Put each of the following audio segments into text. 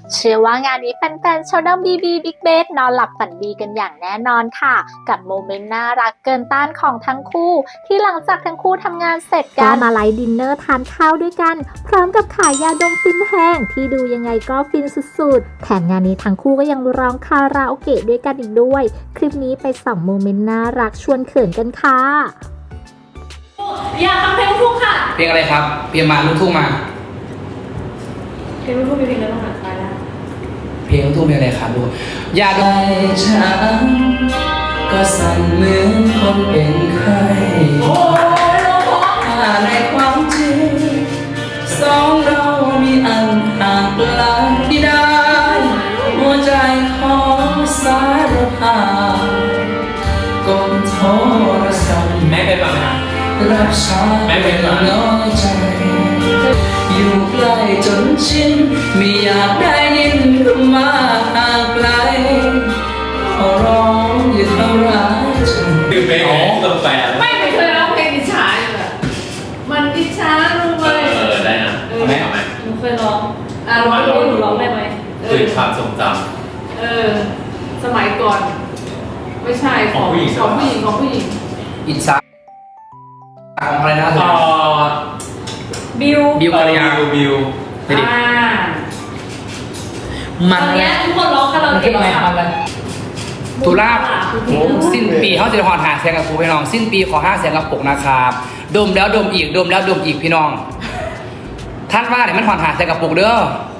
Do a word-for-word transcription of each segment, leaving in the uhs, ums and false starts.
เชื่อว่างานนี้แฟนๆชาวด้อมบีบีบิ๊กเบสนอนหลับฝันดีกันอย่างแน่นอนค่ะกับโมเมนต์น่ารักเกินต้านของทั้งคู่ที่หลังจากทั้งคู่ทำงานเสร็จกันมาไลฟ์ดินเนอร์ทานข้าวด้วยกันพร้อมกับขายยาดมฟินแห้งที่ดูยังไงก็ฟินสุดๆแถมงานนี้ทั้งคู่ก็ยังร้องคาราโอเกะด้วยกันอีกด้วยคลิปนี้ไปส่องโมเมนต์น่ารักชวนเขินกันค่ะอยากฟังเพลงลูกทุ่งค่ะเพลงอะไรครับเพลงมาลูกทุ่งมาเพลงลูกทุ่งมีเพลงอะไรบ้างอ่ะตายแล้วเพลงลูกทุ่งเพลงอะไรครับลูกอยากได้ฉันก็สั่นเหมือนคนเป็นไข้ถ้าในความจริงสองเรามีอันห่างไกลได้หัวใจของสารพากดโทรศัพท์แม่เป็นแบบไหนรับสายแม่เป็นน้อยใจอยู่ใกล้จนชินไม่อยากได้ยินคำว่าห่างไกลขอร้องอย่าทำร้ายฉันคือเพลงของตัวแฟนไม่ไม่เคยร้องเพลงอิจฉาอยู่อะมันอิจฉารู้ไหมเออได้นะเอาไหมเอาไหมหนูเคยร้องอ่ะร้องรู้หนูร้องได้ไหมคือความทรงจำเออสมัยก่อนไม่ใช่ของผู้หญิงของผู้หญิงของผู้หญิงอิจฉาของอะไรนะต่อบิวบิวกัลยาบิวบิวอ่ามันตอนนี้ทุกคนร้องคาราโอเกะค่ะตุลาสิ้นปีเขาจะหอดหาแสงกับครูพี่น้องสิ้นปีขอห้าแสงกับปกนะครับดมแล้วดมอีกดมแล้วดมอีกพี่น้องท่านว่าเนี่ยมันหอดหาแสงกับปกเด้อ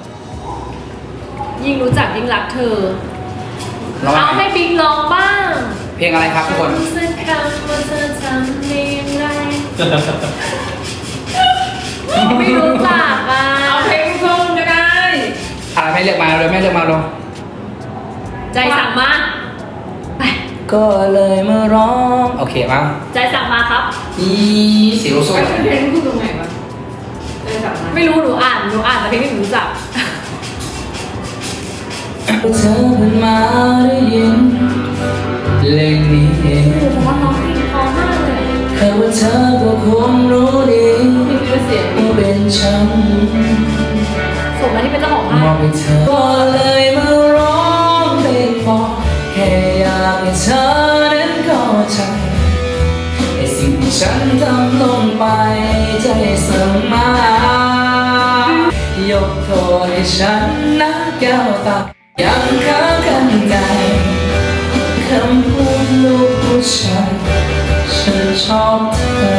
ยิ่งรู้จักยิ่งรักเธอเอาให้บิ๊กร้องบ้างเพลงอะไรครับทุกคนสักคำว่าเธอทำได้ยังไงไม่รู้จักอ่ะเอาเพลงทุ่งก็ได้อะไรไม่เลือกมาเลยไม่เลือกมาลงใจสั่งมาไปก็เลยมาร้องโอเคมั้งใจสั่งมาครับอีเสียวโซ่เพลงพูดตรงไหนวะใจสั่งมาไม่รู้หนูอ่านหนูอ่านแต่เพลงที่หนูรู้จักเธอเพิ่งมาได้ยินเพลงนี้ผมว่าน้องเพลงพอมากเลยแค่ว่าเธอก็คงรู้ดีว่าเป็นฉันส่งมาที่เป็นเจ้าของมองไปเธอก็เลยมาร้องเพลงบอกแค่อยากให้เธอนั้นเข้าใจไอ้สิ่งที่ฉันทำลงไปใจเสมอยกโทษให้ฉันนะแก้วตายังค้างกันในคำพูดลูกผู้ชายฉันชอบเธอ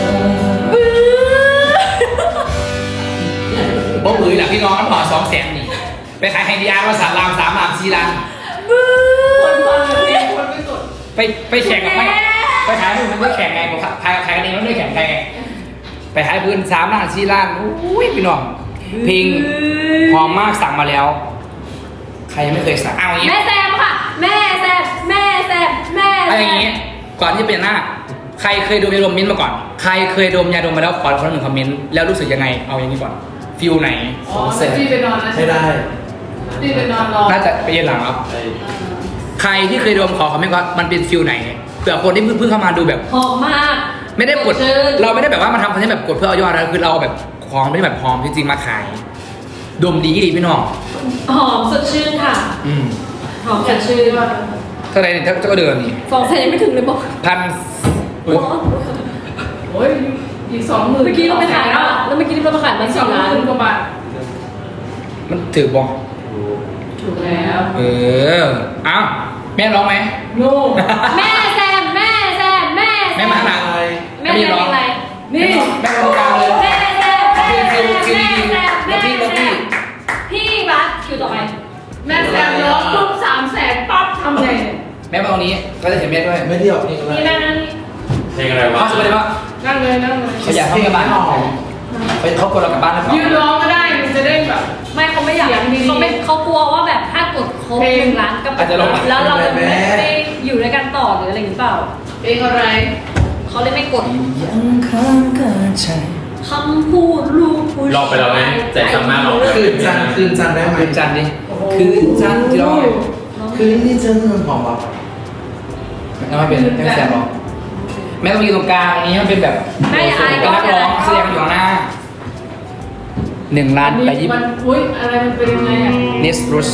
บ่เบื่อหลักพี่น้องน้ำพอสองแสนนี่ไปขายไฮดีอาร์มาสามลามสามลามสี่ลามคนฟังเพลงคนไม่สดไปไปแข่งกับไม่ไปขายพื้นมันไม่แข่งไงผมขายขายกันเองมันไม่แข่งใครไงไปขายพื้นสามล้านสี่ล้านอุ้ยพี่น้องเพลงหอมมากสั่งมาแล้วใครยังไม่เคยสั่งเอาอย่างนี้แม่แซมค่ะแม่แซมแม่แซมแม่แซมอะไรอย่างนี้ก่อนที่เป็นหน้าใครเคยดมยาดมมิ้นมาก่อนใครเคยดมยาดมมาแล้วขอคนหนึ่งคอมเมนต์แล้วรู้สึกยังไงเอาอย่างนี้ก่อนฟิลไหนอ๋อพี่ไปนอนแล้วไม่ได้พี่ไปนอนรอน่าจะไปเย็นหลังครับใครที่เคยดมขอคอมเมนต์ว่ามันเป็นฟิลไหนเผื่อคนที่เพิ่งเข้ามาดูแบบหอมมากไม่ได้กดเราไม่ได้แบบว่ามาทำคอนเทนต์แบบกดเพื่อเอายอดนะคือเราแบบของไม่ได้แบบหอมจริงๆมาขายดมดีดีพี่น้องหอมสดชื่นค่ะอืมหอมสดชื่นเท่าไหร่เนี่ยเจ้าก็เดินนี่ฟองใส่ยังไม่ถึงเลยบอกพันโอ้ยอีกสองหมื่นเมื่อกี้เราไปขายแล้วแล้วเมื่อกี้เราไปขายมาสี่ล้านกว่าบาทมันถือบ้องถูกแล้วเอออ้าวแม่ร้องไหมลูกแม่แซมแม่แซมแม่แซมแม่มาหนักแม่ร้องอะไรนี่แม่ร้องกลางเลยแม่แซมแม่แซมแม่แซมแม่พี่แม่พี่พี่บัสคิวต่อไปแม่แซมร้องปุ๊บสามแสนปั๊บทำไงแม่มาตรงนี้ก็จะเห็นแม่ด้วยไม่เที่ยวนี่แม่นั่งนี่เพลงอะไรวะเขาสบายปะนั่งเลยนั่งเลยเขาอยากให้กลับบ้านไปเขากดเรากลับบ้านหรือเปล่ายืนร้องก็ได้มันจะได้แบบไม่เขาไม่อยากเขาไม่เขากลัวว่าแบบถ้ากดครบหนึ่งล้านก็แล้วเราจะไม่ได้อยู่ด้วยกันต่อหรืออะไรหรือเปล่าเพลงอะไรเขาเลยไม่กดยังค้างกันใจคำพูดลูกผู้ชายรอไปแล้วไหมใจจำมากหรอคืนจันคืนจันได้ไหมคืนจันดิคืนจันที่ร้องคืนนี้เจอเรื่องของเราแล้วไม่เป็นไม่แสบหรอกแม่ต้องยืนตรงกลางนี้มันเป็นแบบแม่อย่าอายก็นักร้องแสดงอยู่ข้างหน้าหนึ่งล้านไปญี่มัปุ่นนอุ้ยอะไรมันเป็นยังไงอ่ะเนสรุส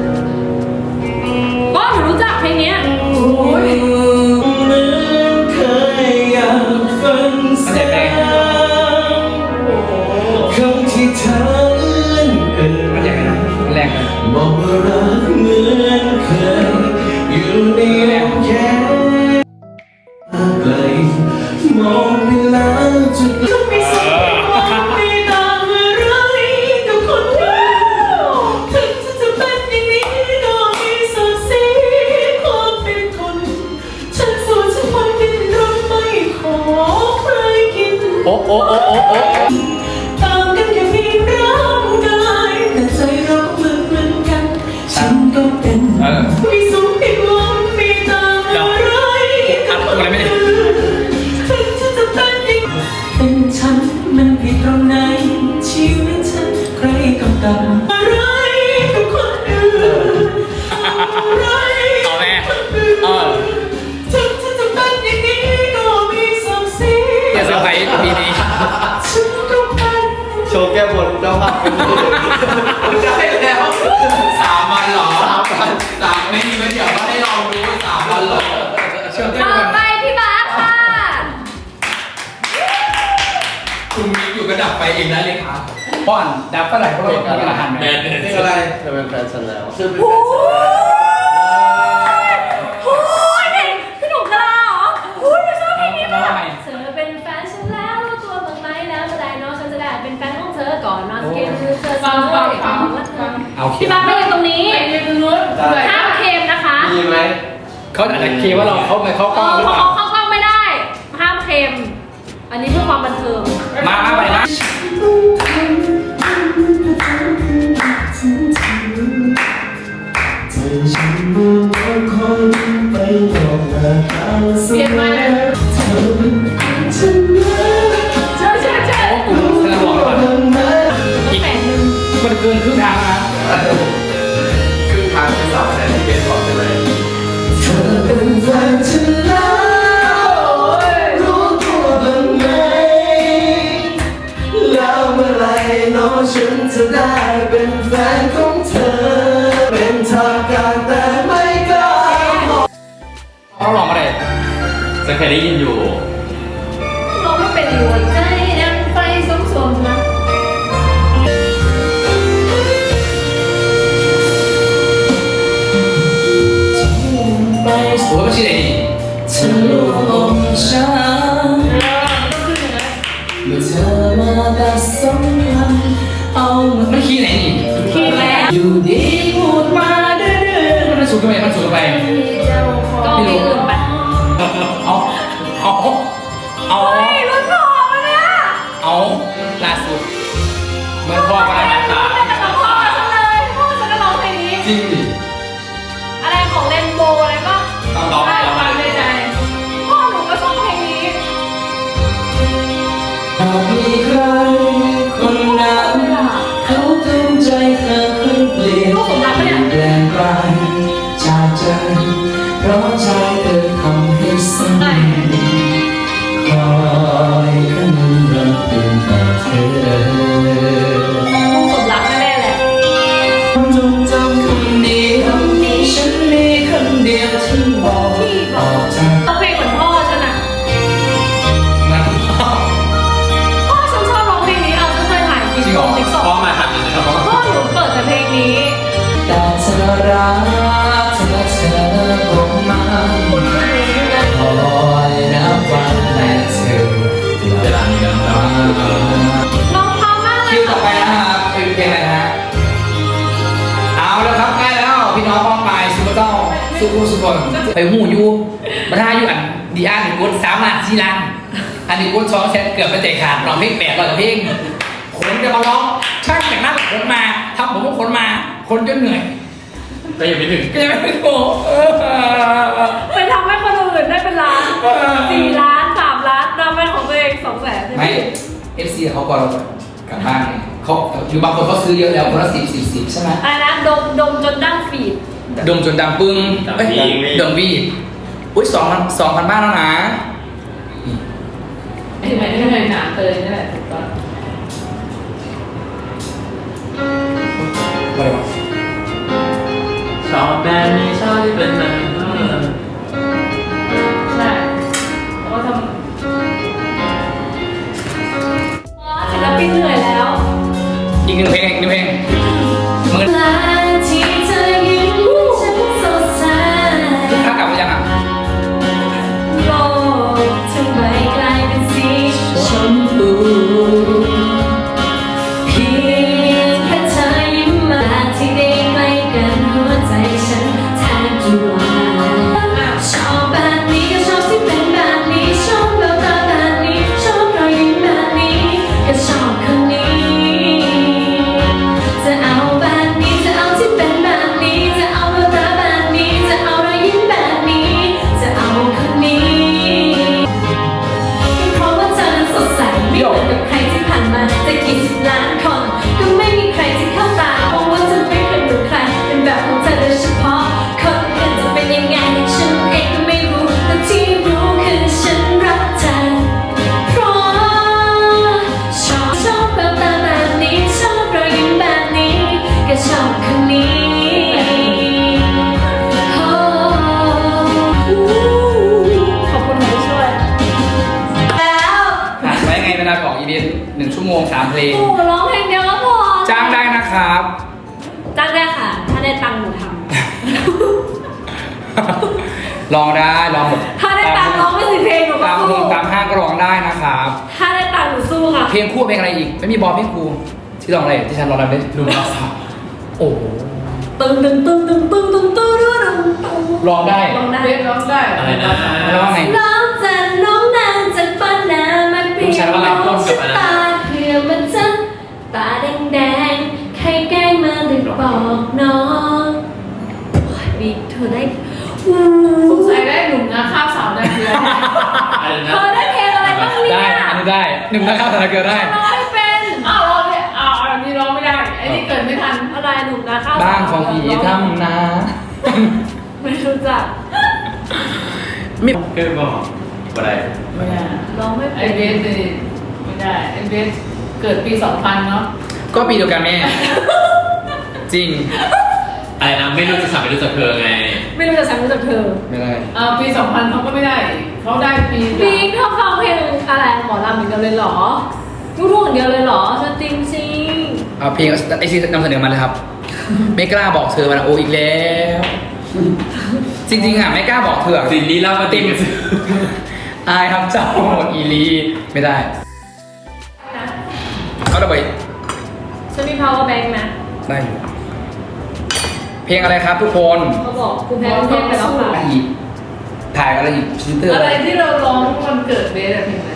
ก็หนูรู้จักเพลงเนี้ยเหมือนเคยอยากฟังเสียงคำที่เธอเล่นเอ่ยมันยังไงนะมันแรงเลยบอกว่ารักเหมือนเคยอยู่ในลมแค่ไกลมองเวลาจะก็ไม่สนว่าไม่ต่างอะไรกับคนเดียวถึงจะเป็นอย่างนี้ก็มีศักดิ์ศรีความเป็นคนฉันสู้ฉันมันดิ้นรนไม่ขอใครกินโอ้โอ้โอ้โอ้โอ้ต่างกันแค่เพียงร่างกายแต่ใจเราก็เหมือนเหมือนกันฉันก็เป็นเออไม่สูงผิดหวังไม่ต่างอะไรอัดอะไรไม่ได้ถึงฉันจะเป็นยังเป็นฉันมันผิดตรงไหนชีวิตฉันใครกำกับอะไรกับคนอื่นอะไรเอาแม่เออถึงฉันจะเป็นอย่างนี้ก็มีศักดิ์ศรีอย่าเซอร์ไพรส์ปีนี้ฉันก็เป็นโชว์แก้บนเจ้าภาพเป็นได้แล้วสามวันเหรอสามวันสามไม่มีไม่เดี๋ยวก็ให้ลองดูสามวันเหรอเชื่อต่อไปพี่บาสค่ะคุณมีอยู่ก็ดับไฟเองได้เลยครับป้อนดับเท่าไหร่เพราะเราต้องกินอาหารแมแม่นนี่อะไรเธอเป็นแฟนฉันแล้วคือเป็นโอ้ยเพลงพี่หนุ่มกะลาเหรอโอ้ยหนูชอบเพลงนี้มากเธอเป็นแฟนฉันแล้วรู้ตัวบ้างไหมแล้วเมื่อไหร่น้องฉันจะได้เป็นแฟนของเธอก่อนนอนสเกลคือเธอฟังฟังฟังเอาเค็พี่มบาสไม่ยืนตรงนี้ยืนตรงนู้นห้ามเค็มนะคะมีไหมเขาอาจจะเคว่าเราเข้าไปเข้ากล้องหรือเพเปราะล่าเขาเข้ากล้องไม่ได้ ห้ามเค็ม อันนี้เพื่อความบันเทิงมามาไปมาเปลี่ยนมาเลยเชื่อเชื่อเชื่อแสดงบอกเลยว่าอีกแปดหนึ่งมันเกินครึ่งทางแล้วนะคือทางที่สามแทนที่เป็นก่อนใช่ไหมเธอเป็นแฟนฉันแล้วรู้ตัวบ้างไหมแล้วเมื่อไหรน้องฉันจะได้เป็นแฟนของเธอ เป็นทางการแต่ไม่กล้าบอกเขาลองอะไรจะเคยได้ยินอยู่เราไม่เป็นหัวใจดังไฟสมสมนะไปโอ้ยไม่ใช่ไหนดีเธอลวงฉันเมื่อเธอมาตัดสมพันธ์เอามันขี้ไหนนี่คิดแล้วอยู่ดีพูดมาเรื่อยมันสูงทำไมมันสูงทำไมก็มีอื่นไปเอาเอาเอาเฮ้ยรุ่นพ่อมาเนี่ยเอาล่าสุดเมื่อพ่อมาหาตาแต่กับพ่อฉันเลยพ่อฉันก็ร้องเพลงนี้จริงดิอะไรของเลนโบอะไรก็ต้องร้องได้ร้องฟังในใจพ่อหนูก็ชอบเพลงนี้ๆหากมีใครคนนั้นเขาตั้งใจเธอให้เปลี่ยนแปลงไปจากใจเพราะใจเธอทำให้สั่นคอยคำนึงรักเป็นแต่เธอต้องสมรักแน่ๆแหละจงจำคำเดียวฉันมีคำเดียวที่บอกออกจากเอาเพลงเหมือนพ่อฉันอะมันพ่อฉันชอบร้องเพลงนี้เอาฉันเคยถ่ายคลิปจริงเหรอลงติ๊กต็อกพ่อมาทำยังไงครับพ่อหนูเปิดแต่เพลงนี้แต่เธอรักเธอเธอบอกมาคอยนับวันแต่เธอกลับมาร้องเพราะมากเลคิยวต่อไปนะครับเป็นเพลงอะไรนะฮะเอาแล้วครับใกล้แล้วพี่น้องป้องไปซูเปอร์เจ้าสุขุสุขนไปหูยูมาท่าอยู่อันดีอาร์หนึ่งกุดสามล้านสี่ล้านอันหนึ่งกุดสองแสนเกือบไปเตะขาดร้องเพลงแปดร้อยกว่าเพลงคนจะมาร้องช่างแต่งหน้าคนมาทำผมก็คนมาคนจนเหนื่อยก็ยังไม่ถึงก็ยังไม่ถึงโอ้เออไปทำให้คนอื่นได้เป็นล้านสี่ล้านสามล้านทำเป็นของตัวเองสองแสนไม่เอฟซีเขาก็กลับบ้านไงเขาอยู่บางคนเขาซื้อเยอะแล้วคนละสิบสิบสิบใช่ไหมอะไรนะดมดมจนดั้งฝีดดมจนดำปึ้งเอ้ยดมวีอุ้ยสองพันสองพันบ้านแล้วนะถึงไหนที่ไหนหนาเตยนี่แหละถูกต้องมือลาที่เธอยิ้มฉันสดใสถ้ากลับมายังอ่ะโลกทั้งใบกลายเป็นสีชมพูเพียงแค่เธอยิ้มมาที่ได้ใกล้กันหัวใจฉันแทบจะวายชอบแบบนี้ก็ชอบที่เป็นแบบนี้ชอบแววตาแบบนี้ชอบรอยยิ้มแบบนี้ก็ชอบคนนี้จะเอาแบบนี้จะเอาที่เป็นแบบนี้จะเอาแววตาแบบนี้จะเอารอยยิ้มแบบนี้จะเอาคนนี้เพราะว่าเธอนั้นสดใสไม่เหมือนกับใครที่ผ่านมาจะกี่สิบล้านคนก็ไม่มีใครที่เข้าตาเพราะว่าเธอไม่เคยเหมือนใครเป็นแบบของเธอโดยเฉพาะคนอื่นจะเป็นยังไงฉันเองก็ไม่รู้แต่ที่รู้คือฉันรักเธอเพราะชอบชอบแววตาแบบนี้ชอบรอยยิ้มแบบนี้ก็ชอบคนนี้โอ้ขอบคุณที่ช่วยแล้วผ่านไว้ไงเวลาของอีเวนต์หนึ่งชั่วโมงสามเพลงโอ้ร้องเพลงเดียวก็พอจ้างได้นะครับจ้างได้ค่ะ ถ้าได้ตังค์หนูทลองได้ลองหมดำถ้าได้ตังค์ร้องไม่สิเพลงหนูก็ตามสู้เพลงตามห้างก็ร้องได้นะครับถ้าได้ตังค์หนูสู้ค่ะเพลงคู่เพลงอะไรอีก ไม่มีบอลเพลงครูที่ร้องอะไรที่ฉันร้องอะไรได้หนุ่มรักสาวโอ้โหตึงตึงตึงตึงตึงตึงตึงตึงตึงร้องได้ร้องได้เบสร้องได้อะไรนะร้องไงร้องจันน้องนางจันป้านามาเปลี่ยนน้องสตาเพื่อมันจะตาแดงแดงใครแกล้งมาหรือบอกน้องโอ้ยบีเธอได้อู้สงสัยได้หนุ่มนะข้าวสาวนาเกลืออะไรเธนะอได้เพลงอะไรบ้างเนี่ยได้ อันนี้ได้ หนึ่งนะครับสถานเกิดได้ร้องไม่เป็นอ้าวร้องเนี่ยอ้าวอันนี้ร้องไม่ได้ไอ้นี่เกิดไม่ทันอะไรหนุ่มนะข้าวบ้านของผีทำนาไม่รู้จักไม่คือบอกอะไรไม่ได้ร้องไม่ไอ้เป็นเบสเนี่ยไม่ได้ไอ้เบสเกิดปีสองพันเนาะก็ปีเดียวกันแม่ จริงอะไรนะไม่รู้จะสั่งไม่รู้จะเธอไงไม่รู้จะฉันรู้จักเธอไม่ได้อ่าปีสองพันเขาก็ไม่ได้เขาได้ปีบีเธอฟังเพลงอะไรหมอลำอย่างเดียวเลยเหรอลูกทุ่งอย่างเดียวเลยเหรอสตริงซิงเอาเพลงไอซีนำเสนอมาเลยครับ ไม่กล้าบอกเธอมันโออีกแล้ว จริงๆอ่ะไม่กล้าบอกเธอสินนี้เล่ามาติดกันอายทำเจ้าอีลีไม่ได้เอาระเบิดฉันมี power bank นะได้อยู่เพลงอะไรครับทุกคนเขาบอกคุณแพ้คุณเทพไปแล้วค่ะอะไรอีกถ่ายอะไรอีกชินเตอร์อะอะไร ไรที่เราร้องวันเกิดเบสอะเพลงอะไร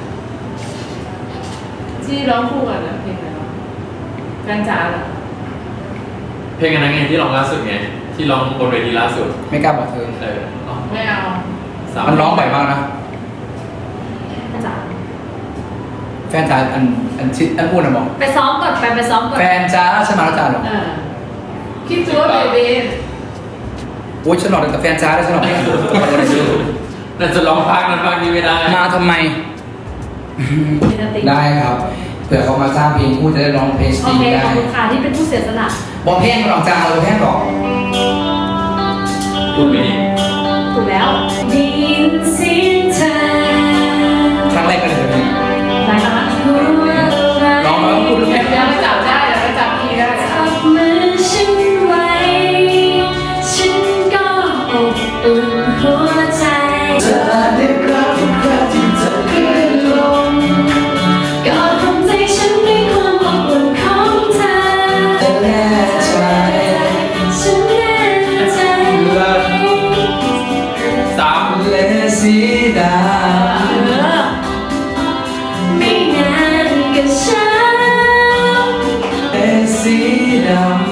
ที่ร้องคู่กันอะเพลงอะไรวะการจ๋าเหรอเพลงอันนั้นไงที่ร้องล่าสุดไงที่ร้องบนเวทีล่าสุดไม่กล้าบอกเธอเอออ๋อไม่เอาสามมันร้องบ่อยมากนะจ๋าแฟนจ๋าอันอันชิดอันพูดนะบอกไปซ้อมก่อนไปไปซ้อมก่อนแฟนจ๋าฉันมาแล้วจ้าหรออ่าคิดดูว่าเบสโอ้ยฉันหลอกแต่แฟนจ๋าได้ฉันหลอกไม่ถูกอะไรชื่อแต่จะร้องภาคนั้นภาคนี้ไม่ได้มาทำไม ได้ครับเผื่อเขามาสร้างเพลงคู่จะได้ร้องเพลงสโอตรีเคได้ขอบคุณค่ะที่เป็นผู้เสียสละบอกเพลงหลอกจ้าเราเพลงหลอกพูดไม่ดีถูกแล้วได้ยินเสียงเธอครั้งแรกก็เลยแบบนี้ได้แล้วนะร้องมาแล้วพูดเรื่องเดี๋ยวเราจับได้เดี๋ยวเราจับคีย์ได้จับมือฉันไว้ฉันก็อบอุ่นหัวใจเธอได้รับทุกครั้งที่เธอขึ้นลงกอดของใจฉันด้วยความอบอุ่นของเธอแน่ใจฉันแน่ใจรักสามและสีดาไม่นานก็ช้าและสีดำ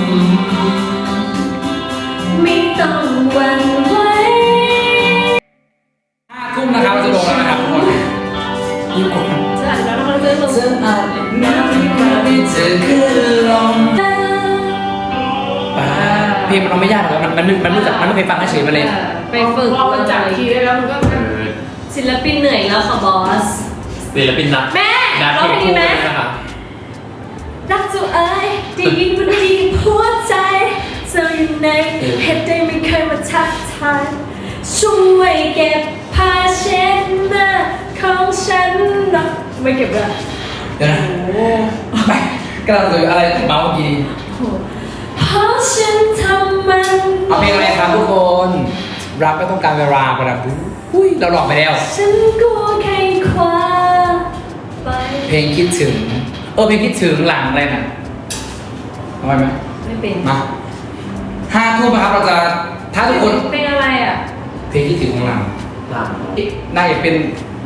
ไม่ต้องหวั่นไหวห้าทุ่มนะครับจะลงแล้วนะครับทุกคนยิ่งกว่าจะอ่านแล้วมันจะลงเธออาจน้ำที่คราวที่เธอขึ้นลงป่าเพลงมันร้องไม่ยากหรอกมันมันมันรู้จักมันไม่เคยฟังเฉยๆมาเลยไปฝึกพอมันจับคีย์ได้แล้วมันก็เออศิลปินเหนื่อยแล้วค่ะบอสศิลปินนักแม่นักร้องเพลเพลงงนี้คู่ไหมด้วยนะคะรักจูเอ้ยได้ยินมันดีหัวใจเธออยู่ในเหตุใดไม่เคยมาทักทายช่วยเก็บผ้าเช็ดหน้าของฉันหนะไม่เก็บเลยเดี๋ยวนะไปกำลังจะอะไรเมาเมื่อกี้เพราะฉันทำมันเอาเพลงอะไรครับทุกคนรักไม่ต้องการเวลาประดับอุ้ยเราหลอกไปแล้วฉันกลัวใครคว้าไปเพลงคิดถึงเออเพลงคิดถึงหลังอะไรน่ะเอาไว้ไหมไม่เป็นมาห้าทุ่มนะครับเราจะถ้าทุกคนเป็นอะไรอ่ะเพลงคิดถึงของหลังหลังน่าจะเป็น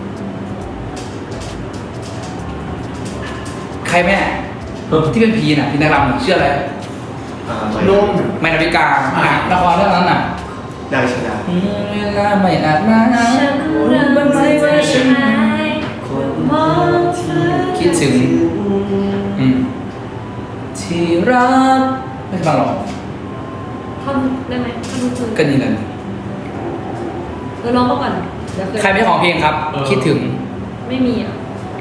ใครแม่ที่เป็นพีน่ะพีนางรำน่ะชื่ออะไรนุ่มไม่นาฬิกาหนังละครเรื่องนั้นน่ะนางชนะอืมเวลาไม่อาจมาฉันเริ่มไม่ใจหายมองเธอคิดถึงอืมที่รักไม่ใช่ฟังหรอกท่อนได้ไหมท่อนรู้สึกก็นี่แหละเออร้องมาก่อนเดี๋ยวเคยใครไม่ของเพลงครับ คิดถึงไม่มีอ่ะ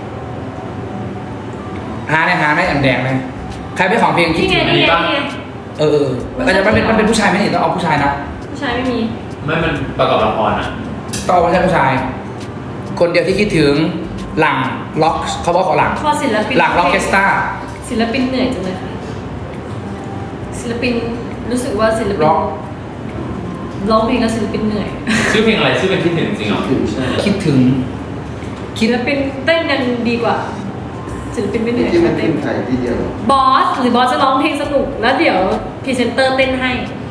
หาได้หาได้อันแดงไหมใครไม่ของเพลงคิดนี่ไงถึงนี่ไงนี่ไงเออเออมันจะมันเป็นมันเป็นผู้ชายไหมนี่ต้องเอาผู้ชายนะผู้ชายไม่มีไม่มันประกอบละครอ่ะต้องเอาผู้ชายผู้ชาย คนเดียวที่คิดถึงหลังล็อกเขาบอกเขาหลังพอศิลปินหลังล็อกเคสตาศิลปินเหนื่อยจังเลยค่ะศิลปินรู้สึกว่าศิลปินร็อกร้องเพลงแล้วศิลปินเหนื่อยชื่อเพลงอะไรชื่อเป็นคิดถึงจริงเหรอใช่คิดถึงศิลปินเต้นยังดีกว่าศิลปินไม่เหนื่อยที่มันเต้ขึ้นนไทยที่เดียวบอสหรือบอสจะร้องเพลงสนุกแล้วเดี๋ยวพรีเซนเตอร์เต้นให้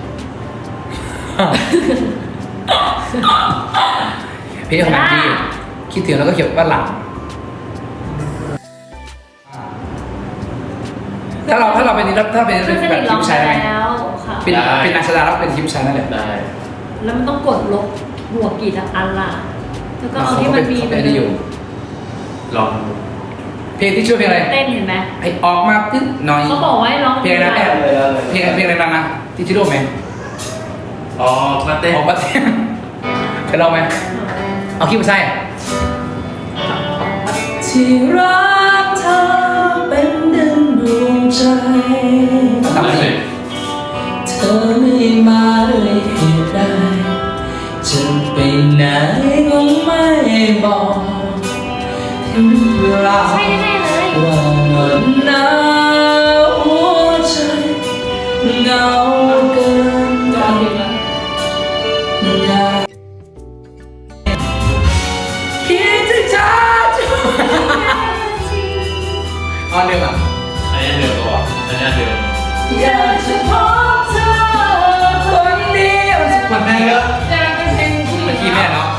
เพลงของมันดีคิดถึงแล้วก็เขียนว่าหลัง ถ้าเราถ้าเราเป็นถ้าเป็นเพื่อนสแบนิบททีร้องมไปชายได้ไหมแล้วค่ะเป็นเป็นนักแสดงแล้วเป็นทีมชายนั่นแหละได้แล้วมันต้องกดลบบวกกี่อันล่ะแล้วก็เอาที่เขามันมีเขาไปเป็นเลนี่อยู่ยลองดูเพลงที่ชื่อเพลงอะไรเต้นเห็นไหมให้ออกมาตึ๊ดหน่อยเขาบอกว่าให้ร้องเพลงอะไรนะแอบเพลงเพลงอะไรนะนะที่ชิโร่ไหมอ๋อมาเต้นออกมาเต้นเคยลองไหมเอาคิดมาใช่ที่รักเธอเป็นดังดวงใจตามนี้เธอไม่มาด้วยเหตุใดจะไปไหนก็ไม่บอกถึงเวลาใช่แน่ๆเลยว่าเหงาหนาวหัวใจเหงาเกินไปอยากคิดถึงเธอจุดอ๋อเดิมอ่ะอันนี้เดิมตัวอันนี้เดิมอยากจะพบเธอคนเดียวมันแม่เยอะแต่เป็นเพลงผู้หญิเมื่อง กี้แม่เนาะ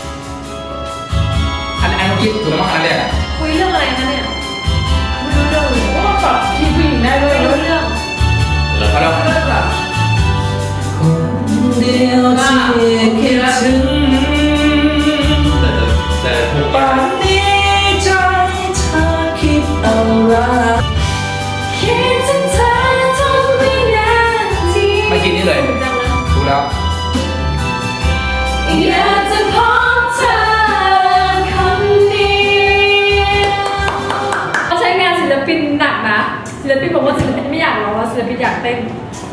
อันอันเมื่อกี้ถูกแล้วมั้งอันแรกอ่ะคุยเรื่องอะไรคะเนี่ยไม่รู้เรื่องเลยว่าปรับที่ผู้หญิงได้ด้วยไม่รู้เรื่องแล้วเอาแล้วคนเดียวที่คิดถึงแต่แต่ถูกป่านนี้ใจเธอคิดอะไรคิดถึงเธอทุกวินาทีเมื่อกี้นี่เลยจังเลยถูกแล้วอยากจะพบเธอคนเดียวเขาใช้งานศิลปินหนักนะศิลปินบอกว่าศิลปินไม่อยากร้องแล้วศิลปินอยากเต้น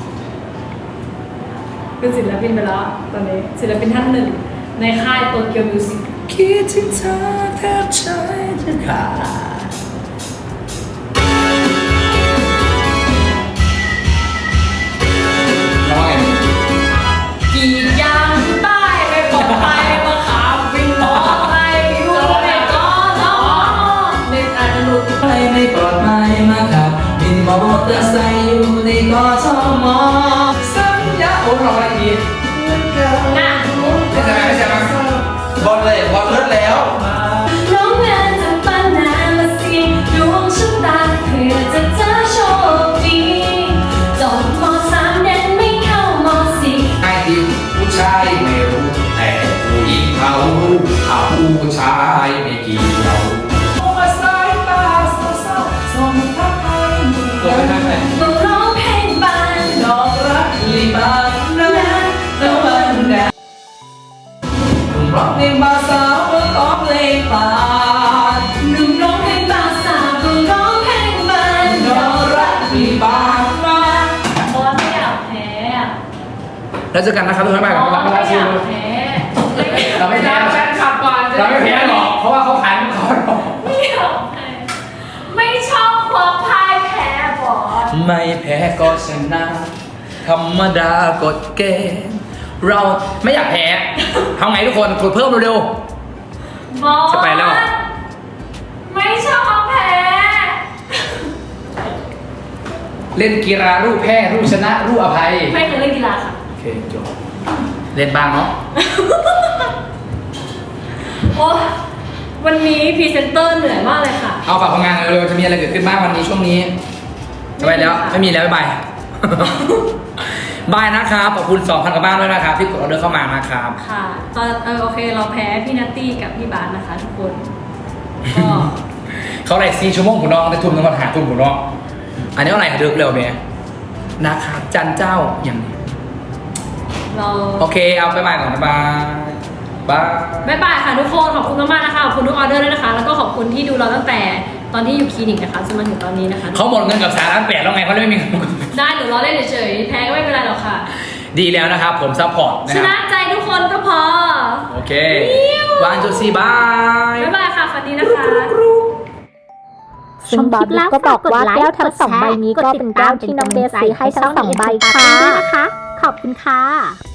เป็นศิลปินไปแล้วตอนนี้ศิลปินท่านหนึ่งในค่ายโตเกียวมิวสิกคิดถึงเธอแทบใจจะขาดน้องไงกี่ยางใต้ไม่ปลอดภัยมาขับวินมอไซค์อยู่ในก้อนล้อเน็ตอาจจะหลุดไปไม่ปลอดภัยมาขับบินมอเตอร์ไซค์อยู่ในกทมสัญญาโอ้เราอะไรอีกน่ะไม่ใช่ไหมไม่ใช่ไหมบอลเลยบอลเลิศแล้วน้องงานจะปานามาเสียงดวงชะตาเพื่อจะเจอโชคดีจบมสามเด่นไม่เข้ามสี่ไอ้ที่ผู้ชายไม่รู้แต่ผู้หญิงเขารู้เขาผู้ชายไม่เกี่ยวโอ้สายตาเศร้าๆส่งทักให้ตัวไม่ได้ไหมต้องร้องเพลงบานดอกรักที่บานนั้นแล้ววันแดดร้องเพลงภาษาร้องเพลงป่าหนุ่มร้องเพลงบาสาวก็ร้องเพลงบานดอกรักที่บานมาบอสไม่อยากแพ้แล้วเจอกันนะครับทุกท่านไปบกัอบ สเราไม่ไม่อยากแพ้แพ้เราไม่แพ้แฟนคลับก่อนเราไม่แพ้หรอกเพราะว่าเขาขายของเขาไม่อยากแพ้ไม่ชอบความพ่ายแพ้ไม่แพ้ก็ชนะธรรมดากฎเกณฑ์เราไม่อยากแพ้ทำไงทุกคนกดเพิ่มเร็วบอสจะไปแล้วไม่ชอบแพ้ๆเล่นกีฬารูปแพ้รูปชนะรูปอภัยไม่เคยเล่นกีฬาค่ะโอเคจบเล่นบ้างเนาะโอ้วันนี้พรีเซนเตอร์เหนื่อยมากเลยค่ะเอาฝากผลงานเร็วๆจะมีอะไรเกิดขึ้นบ้างวันนี้ช่วงนี้จะไปแล้วไม่มีแล้วบ๊ายบาย บายนะครับขอบคุณสองพันกว่าบ้านด้วยนะครับที่กดออเดอร์เข้ามานะครับค่ะตอนเออโอเคเราแพ้พี่นัตตี้กับพี่บาสนะคะทุกคน ก็เขาไหร่สี่ชั่วโมงผมน้องได้ทุ่มน้ำมันหาทุ่มผมน้องอันนี้อะไรเดือกเร็วเมียนะครับจันเจ้าอย่างนี้เราโอเคเอาไปบายก่อนบ๊ายบายบายบ๊ายบายค่ะทุกคนขอบคุณมากๆนะคะขอบคุณทุกออเดอร์ด้วยนะคะ แล้วก็ขอบคุณที่ดูเราตั้งแต่ตอนที่อยู่คลินิกนะคะจนมาถึงตอนนี้นะคะเขาหมดเงินกับสารล้านแปดแล้วไงเขาเลยไม่มีได้หรือเราเล่นเฉยๆแพ้ก็ไม่เป็นไรหรอกค่ะดีแล้วนะครับผมซัพพอร์ตนะชคนะรับใจทุกคนก็พอโอเควันจุดสี่บายบ๊ายบายค่ะฝันดีนะคะชมคลิปแล้วก็บอกว่าแก้วทั้งสองใบนี้ก็เป็นแก้วที่น้องเบสซื้อให้ทั้งสองใบค่ะ ขอบคุณค่ะ